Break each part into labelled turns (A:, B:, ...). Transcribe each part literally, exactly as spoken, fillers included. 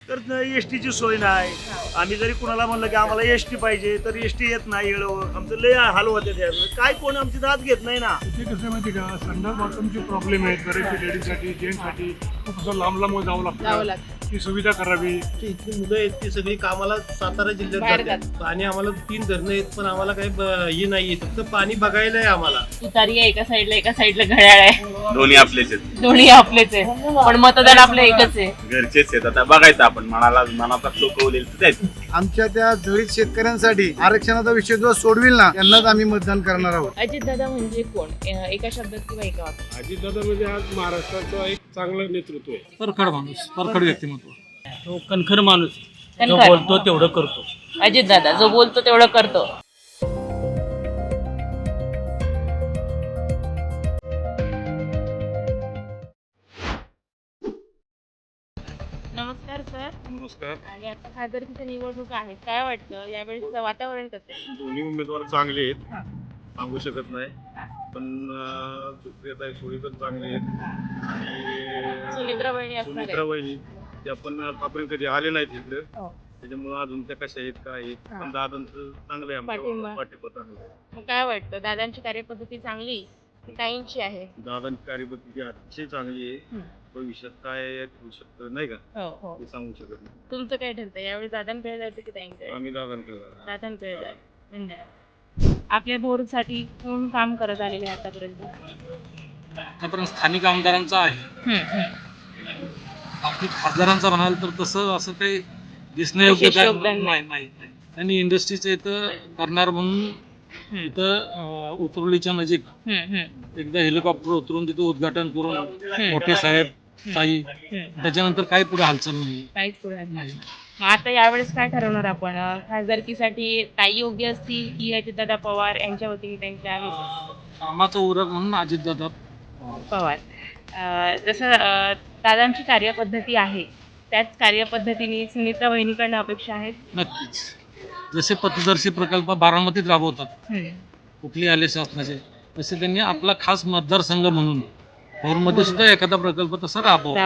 A: तर एस टीची सोय नाही. आम्ही जरी कुणाला म्हणलं की आम्हाला एस टी पाहिजे तर एस टी येत नाही वेळेवर. आमचं लय हाल होते त्या काय कोण आमची दाद घेत नाही ना.
B: ते कसं आहे माहिती का, संडास बाथरूमचे प्रॉब्लेम आहेत बरेचसे लेडीजसाठी जेंट्ससाठी. खूप असं लांब लांब जावं लागतं. ती सुविधा करावी.
C: इथली मुलं आहेत ती सगळी कामाला सातारा जिल्ह्यात
D: बाहेर
C: जातात आणि आम्हाला तीन धरणं आहेत पण आम्हाला काही ब- हे नाही फक्त पाणी बघायला आहे आम्हाला.
D: तुतारी आहे एका साईडला, एका साईडला घड्याळ आहे.
E: दोन्ही आपलेच आहेत,
D: दोन्ही आपलेच आहे, पण मतदान आपलं एकच आहे.
E: घरचेच आहेत. आता बघायचं आपण मनाला मनाचा चोकवलेलं त्याच.
F: आमच्या त्या दलित शेतकऱ्यांसाठी आरक्षणाचा विषय जो सोडविल ना त्यांनाच आम्ही मतदान करणार आहोत.
D: अजित दादा म्हणजे कोण? अं, एका शब्दात किंवा एका वाक्यात?
B: अजितदादा म्हणजे आज महाराष्ट्राचं एक चांगलं नेतृत्व आहे.
G: परखड माणूस, परखड व्यक्तिमत्व.
H: तो कणखर माणूस जो
D: कणखर.
H: बोलतो तेवढं करतो.
D: अजित दादा जो बोलतो तेवढं करतो. नमस्कार सर.
B: नमस्कार.
D: आणि आता खासदारकीच्या निवडणूक आहेत, काय वाटतं यावेळेचं वातावरण कसं आहे?
B: दोन्ही उमेदवार चांगले आहेत, सांगू शकत नाही. पण सुप्रियाताई सुळे पण चांगले आहेत आणि
D: सुमित्रा बहिणी असणार
B: सुमित्रा
D: आहे.
B: वहिनी त्या पण आतापर्यंत कधी आले नाहीत इकडे.
D: हो.
B: त्याच्यामुळे अजून त्या कशा आहेत काय आहेत.
D: हा.
B: पण दादांचं चांगलं आहे
D: पाठिंबा.
B: आमच्या पाठिंबा चांगलं आहे.
D: मग काय वाटतं दादांची कार्यपद्धती चांगली की ताईंची आहे?
B: दादांची कार्यपद्धती अतिशय चांगली आहे.
D: हम्म.
B: भविष्यात काय होऊ शकतं नाही का
D: हो हो.
B: ते सांगू शकत नाही.
D: तुमचं काय ठरतं यावेळी दादांकडे जायचं की ताईंकडे?
B: आम्ही दादांकडे जाणार.
D: दादांकडे जायचं. धन्यवाद. आपल्या बोरसाठी कोण काम करत आलेले आहे आतापर्यंत?
G: आतापर्यंत स्थानिक आमदारांचा आहे. बाकी खासदारांचा म्हणाल तर तसं असं काही दिसण्यायोग्य
D: विशेष
G: काय
D: योगदान
G: नाही नाही नाही. त्यांनी इंडस्ट्रीचं इथं करणार म्हणून इथं अं, उतरवलीच्या नजीक एकदा हेलिकॉप्टर उतरून तिथं उद्घाटन करून मोठे साहेब ताई त्याच्यानंतर काही पुढे हालचाल नाही.
D: काहीच पुढे नाही.
G: नाही.
D: मग आता यावेळेस काय ठरवणार आपण? अं, खासदारकीसाठी ताई योग्य असतील की अजितदादा पवार यांच्या वतीने त्यांच्या
G: कामाचं उरक म्हणून अजितदादा
D: पवार? अं, जसं अं, दादांची कार्यपद्धती आहे त्याच कार्यपद्धतीने सुमित्रा बहिणीकडनं अपेक्षा आहेत.
G: नक्कीच जसे पथदर्शी प्रकल्प बारामतीत राबवतात कुठली आले शासनाचे, तसे त्यांनी आपला खास मतदारसंघ म्हणून भोरमध्ये सुद्धा एखादा प्रकल्प तसा राबवा.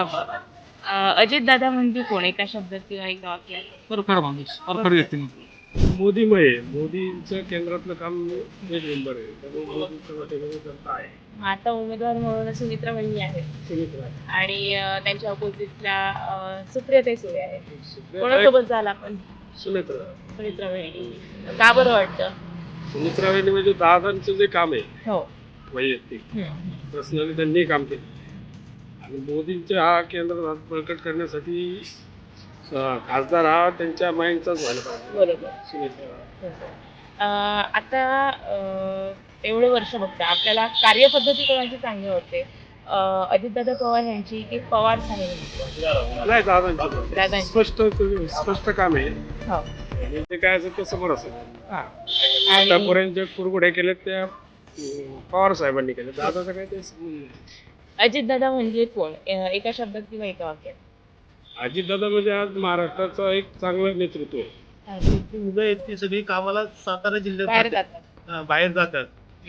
D: अजित दादा म्हणजे कोण? एका शब्दात किंवा एका वाक्यात?
G: परखड माणूस, परखड व्यक्तिमत्व.
B: मोदीमय आहे. मोदींचं केंद्रातलं काम एक नंबर आहे. त्यामुळे मोदींचं वाटेकडे जनता आहे.
D: मग आता उमेदवार म्हणून सुमित्रा बहिणी आहेत
B: सुमित्रा
D: आणि अं, त्यांच्या अपोजिटला सुप्रियाताई सुळे आहेत.
B: सुप्रियाताई-
D: कोणासोबत झाला आपण?
B: सुमित्रा
D: सुमित्रा बहिणी. का बरं वाटतं?
B: सुमित्रा वहिनी म्हणजे दादांचं जे काम आहे
D: हो.
B: वैयक्तिक
D: हम्म.
B: पर्सनली त्यांनी काम केलं आणि मोदींचे हा केंद्र बळकट करण्यासाठी अं, खासदार हा त्यांच्या माइंडचाच व्हायला पाहिजे.
D: बरोबर.
B: सुमित्रा
D: अं, आता अं, एवढे वर्ष बघता आपल्याला कार्यपद्धती कोणाची चांगली वाटते? अं, अजितदादा पवार यांची की पवार साहेब?
B: नाही दादांचं
D: दादांची.
B: स्पष्ट स्पष्ट काम आहे
D: हो.
B: आणि ते काय असेल ते समोर असेल.
D: हा. आणि
B: आतापर्यंत जे कुरघोड्या केल्या त्या अं, पवार साहेबांनी केल्या. दादाचं काय ते
D: अजितदादा म्हणजे कोण? अं, एका शब्दात किंवा एका वाक्यात?
B: अजितदादा म्हणजे आज महाराष्ट्राचं एक चांगलं नेतृत्व आहे.
C: इथली मुलं आहेत ती सगळी कामाला सातारा जिल्ह्यात
D: बाहेर
C: जातात.
D: जातात.
C: हा, बाहेर जातात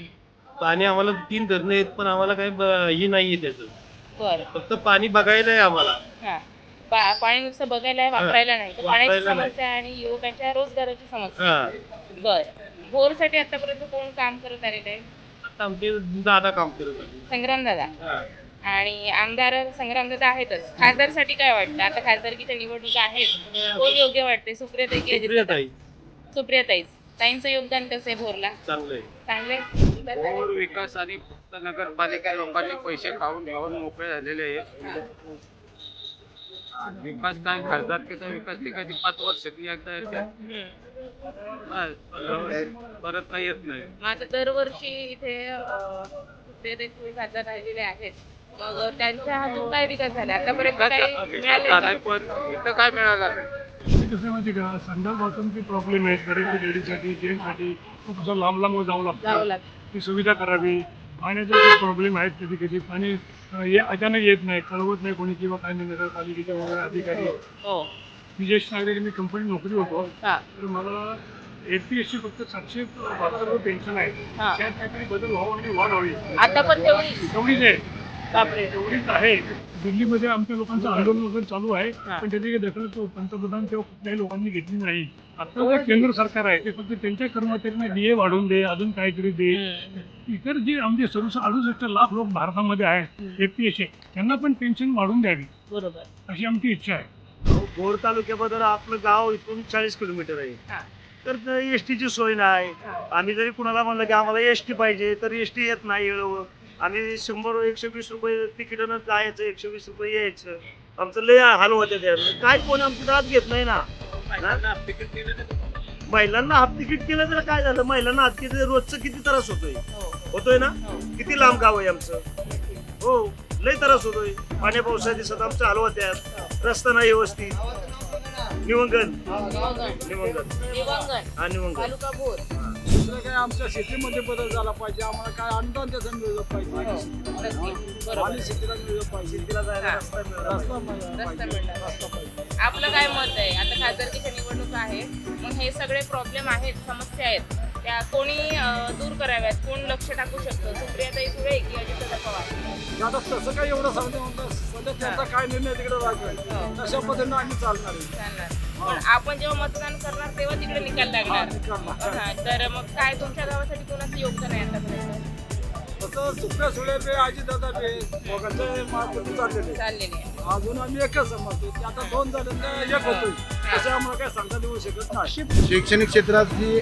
C: आणि आम्हाला तीन धरणं आहेत पण आम्हाला काही ब- हे नाहीये त्याचं
D: बरं.
C: फक्त पाणी बघायला आहे आम्हाला.
D: हा. पा- पाणी नुसतं बघायला आहे, वापरायला नाही. तर पाण्याची
C: वापरायला नाही.
D: समस्या आणि युवकांच्या रोजगाराची समस्या.
C: हा
D: बरं. बोरसाठी आतापर्यंत कोण काम करत आलेलं आहे?
C: आता आमचे दादा काम करत आहे.
D: संग्राम दादा.
C: हा.
D: आणि आमदार संग्राम दादा आहेतच. खासदारसाठी काय वाटतं? आता खासदारकीच्या निवडणुका आहेत, कोण योग्य वाटते? सुप्रियाताई की अजितदादा?
C: सुप्रियाताई
D: सुप्रियाताईच. ताईंचं योगदान कसं आहे भोरला?
C: चांगलं आहे.
D: चांगले.
G: भोर विकास आणि फक्त नगरपालिका लोकांनी पैसे खाऊन घेऊन मोकळे झालेले आहेत. विकास काय खासदारकीचा विकास ते कधी पाच वर्षातली एकदा येते. परत काही येत नाही.
D: मग आता दरवर्षी इथे अं, सुप्रियाताई सुळे खासदार राहिलेले आहेत. मग त्यांच्या हातून काय विकास झाला आतापर्यंत? काही मिळाले?
G: पण इथं काय मिळालं?
B: ते कसं आहे माहिती का, संडास बाथरूमचे प्रॉब्लेम आहेत बरेचसे लेडीजसाठी जेंट्ससाठी. खूप असं लांब लांब जावं
D: जावं
B: लागतं.
D: लागतं.
B: ती सुविधा करावी. पाण्याचे जे प्रॉब्लेम आहेत कधी कधी पाणी अं, हे अचानक येत नाही, कळवत नाही कोणी किंवा काही नाही. नगरपालिकेचे वगैरे अधिकारी.
D: हो.
B: मी ज्येष्ठ नागरिक, मी कंपनीत नोकरी होतो.
D: हा.
B: तर मला एटी एस सी फक्त सातशे बहात्तर पेन्शन आहे.
D: हा.
B: त्यात काहीतरी बदल व्हावा आणि वाढ व्हावी
D: आता पण तेवढी?
B: तेवढीच आहे.
D: बापरे.
B: तेवढीच आहे. दिल्लीमध्ये आमच्या लोकांचं आंदोलन वगैरे चालू आहे,
D: हा.
B: पण त्याची काही दखल तो पंतप्रधान किंवा कुठल्याही लोकांनी घेतली नाही. आता जे केंद्र सरकार आहे ते फक्त त्यांच्या कर्मचाऱ्यांना डीए वाढवून दे, अजून काहीतरी दे. इतर जे आमचे सर्व अडुसष्ट लाख लोक भारतामध्ये आहेत एपीएसए, त्यांना पण पेन्शन वाढवून द्यावी
D: बरोबर.
B: अशी आमची इच्छा आहे.
A: भोर तालुक्याबद्दल आपलं गाव इथून चाळीस किलोमीटर आहे.
D: हा.
A: तर एस टीची सोय नाही. आम्ही जरी कुणाला म्हणलं की आम्हाला एस टी पाहिजे तर एस टी येत नाही वेळेवर. आम्ही शंभर एकशे वीस रुपये तिकीटनं जायचं, एकशे वीस रुपये यायचं. आमचं लय हाल होते त्या. काय कोणी आमची दाद घेत नाही ना. महिलांना हाफ तिकीट केलं तर काय झालं, महिलांना हाफ तिकीट रोजचं किती त्रास होतोय होतोय ना. किती लांब गाव आहे आमचं. हो लय त्रास होतोय. पाण्या पावसा दिसत आमचं हाल होत्यात. रस्ता नाही व्यवस्थित. निवंगन निवंगन हा निवंगन
D: तालुका भोर.
G: दुसरं काय आमच्या शेतीमध्ये बदल झाला पाहिजे, आम्हाला काय अनुदान त्याचं मिळलं पाहिजे आणि शेतीला मिळलं पाहिजे, शेतीला जायला
D: हा.
G: रस्ता मिळाला
D: रस्ता
G: पाहिजे,
D: मिळाला.
G: रस्ता पाहिजे.
D: आपलं काय मत आहे आता खासदारकीच्या निवडणूक आहे, मग हे सगळे प्रॉब्लेम आहेत, समस्या आहेत, त्या कोणी अं, दूर कराव्यात, कोण लक्ष टाकू शकतं? सुप्रियाताई सुळे की अजितदादा पवार?
G: आता तसं काय एवढं सांगते म्हणतात, सध्या त्यांचा काय निर्णय तिकडे लागेल तशा पद्धतीनं आम्ही चालणार आहे.
D: चालणार. पण आपण जेव्हा मतदान करणार तेव्हा तिकडे निकाल लागणार. हा, तर मग काय तुमच्या गावासाठी कोणाचं योगदान आहे आतापर्यंत?
G: तसं सुप्रिया सुळे बे अजितदादा बे दोघांचे मार्ग चाललेले
D: चाललेली आहे.
G: अजून आम्ही एकच समजतो की आता दोन झाले तर एक होतोय, तसे आम्हाला काय सांगता येऊ शकत नाही.
F: शैक्षणिक क्षेत्रातली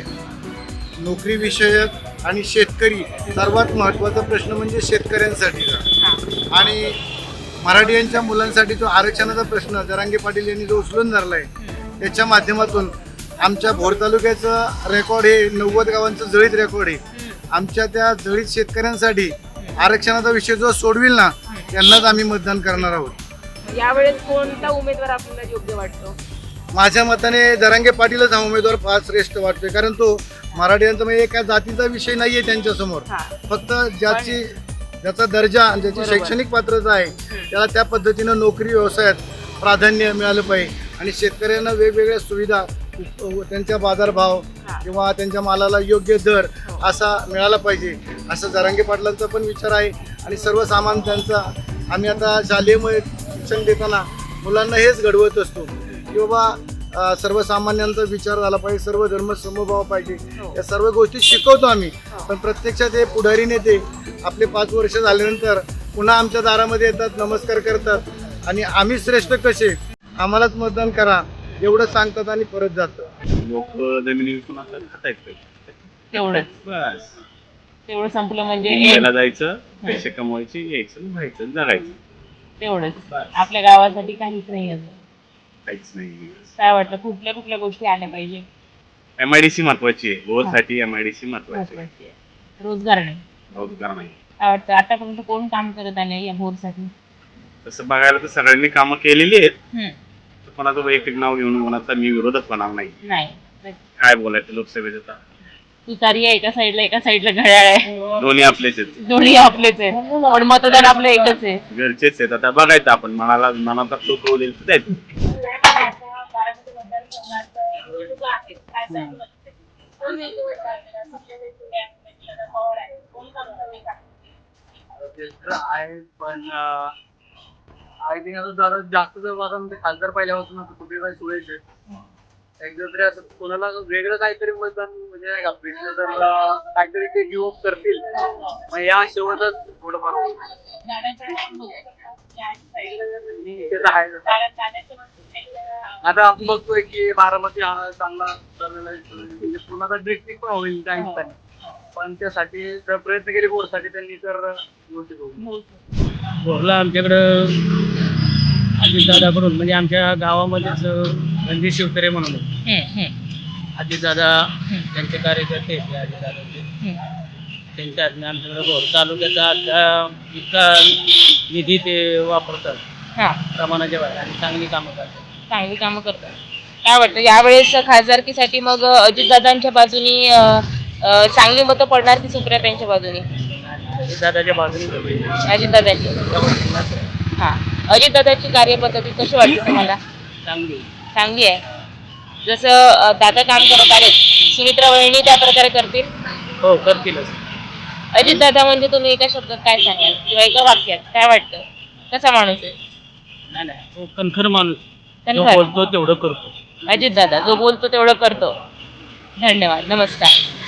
F: नोकरी विषयक आणि शेतकरी सर्वात महत्त्वाचा प्रश्न म्हणजे शेतकऱ्यांसाठीचा. आणि मराठीयांच्या मुलांसाठी जो आरक्षणाचा प्रश्न जरांगे पाटील यांनी जो उचलून धरला आहे, त्याच्या माध्यमातून आमच्या भोर तालुक्याचं रेकॉर्ड हे नव्वद गावांचं जळीत रेकॉर्ड आहे. आमच्या त्या जळीत शेतकऱ्यांसाठी आरक्षणाचा विषय जो सोडविल ना, त्यांनाच आम्ही मतदान करणार आहोत.
D: यावेळेस कोणता उमेदवार आपल्याला योग्य वाटतो?
F: माझ्या मताने जरांगे पाटीलच हा उमेदवार फार श्रेष्ठ वाटतोय, कारण तो मराठ्यांचा म्हणजे एका जातीचा विषय नाहीये त्यांच्यासमोर.
D: हा.
F: फक्त ज्याची ज्याचा दर्जा आणि ज्याची
D: बरोबर.
F: शैक्षणिक पात्रता आहे त्याला त्या पद्धतीनं नोकरी व्यवसायात प्राधान्य मिळालं पाहिजे. आणि शेतकऱ्यांना वेगवेगळ्या सुविधा, त्यांच्या बाजारभाव किंवा त्यांच्या मालाला योग्य दर असा मिळाला पाहिजे, असं जरांगे पाटलांचा पण विचार आहे. आणि सर्वसामान्यांचा आम्ही आता शालेय शिक्षण देताना मुलांना हेच घडवत असतो की बाबा अ, सर्वसामान्यांचा विचार झाला पाहिजे, सर्व धर्म समभाव पाहिजे. या सर्व गोष्टी शिकवतो आम्ही. पण प्रत्यक्षात हे पुढारी नेते आपले पाच वर्ष झाल्यानंतर पुन्हा आमच्या दारामध्ये येतात, नमस्कार करतात आणि आम्ही श्रेष्ठ कसे, आम्हालाच मतदान करा एवढं सांगतात आणि परत जातात.
E: लोक जमिनी विकून आता खातायत
D: तेवढंच
E: बस.
D: तेवढं संपलं म्हणजे
E: मुंबईला जायचं, पैसे कमवायचे, यायचं, व्हायचं, जगायचं.
D: तेवढंच. आपल्या गावासाठी काहीच नाही असं.
E: काहीच नाही.
D: काय वाटतं कुठल्या कुठल्या गोष्टी आल्या पाहिजे?
E: एमआयडीसी महत्वाची आहे. भोरसाठी एमआयडीसी महत्वाची आहे.
D: महत्त्वाची आहे. रोजगार नाही.
E: रोजगार नाही.
D: काय वाटतं आतापर्यंत कोण काम करत आले या भोरसाठी?
E: तसं बघायला तर सगळ्यांनी कामं केलेली आहेत.
D: हम्म.
E: कोणाचं वैयक्तिक नाव घेऊन कोणाचा मी विरोधच होणार नाही.
D: नाही.
E: काय बोलायचं लोकसभेचं आता.
D: तुतारी आहे एका साईडला, एका साईडला घड्याळ आहे.
E: दोन्ही आपलेच आहेत.
D: दोन्ही आपलेच आहे, पण मतदान आपलं एकच आहे.
E: घरचेच आहेत. आता बघायचं आपण मनाला मनाचा शोक होईल तर द्यायचं.
H: आहे पण आय थिंक आता जरा जास्त जर बघा म्हणजे खासदार पहिल्यापासून आता कुठे काही सुळेचे एकदा तरी असं कोणाला वेगळं काहीतरी मतदान म्हणजे नाही का भेटलं तर काहीतरी ते गिव्ह अप करतील. मग या शेवटच थोडंफार ते तर आहे. आता आपण बघतोय की बारामती हा चांगला ठरलेला आहे, म्हणजे पुण्याचा डिस्ट्रिक्ट पण होईल त्या ठिकाणी, पण त्यासाठी जर प्रयत्न केले बोरसाठी त्यांनी तर गोष्टी होईल.
C: भोरला आमच्याकडं अजितदादाकडून म्हणजे आमच्या गावामध्येच रणजित शिवतरे म्हणून अजितदादा त्यांचे कार्यकर्ते आहेत अजितदादाचे, त्यांच्या आमच्याकडे भोर तालुक्याचा आता इतका निधी ते वापरतात
D: हा,
C: प्रमाणाच्या बाहेर आणि चांगली कामं करतात.
D: चांगली कामं करतात. काय वाटतं यावेळेस खासदारकीसाठी मग अजितदादांच्या बाजूनी अं, अं, चांगली मतं पडणार की सुप्रियाताईंच्या बाजूनी?
C: अजितदादाच्या बाजूने
D: अजितदादांची. हा, अजितदादाची कार्यपद्धती कशी वाटते तुम्हाला?
C: चांगली
D: चांगली आहे. जसं अं, दादा काम करत आहेत, सुमित्रा वहिनी त्या प्रकारे करतील?
C: हो करतीलच.
D: अजितदादा म्हणजे तुम्ही एका शब्दात काय सांगाल किंवा एका वाक्यात काय वाटतं, कसा माणूस आहे?
C: नाही नाही तो कणखर माणूस जो
D: कणखर.
C: बोलतो तेवढं करतो.
D: अजित दादा जो बोलतो तेवढं करतो. धन्यवाद, नमस्कार.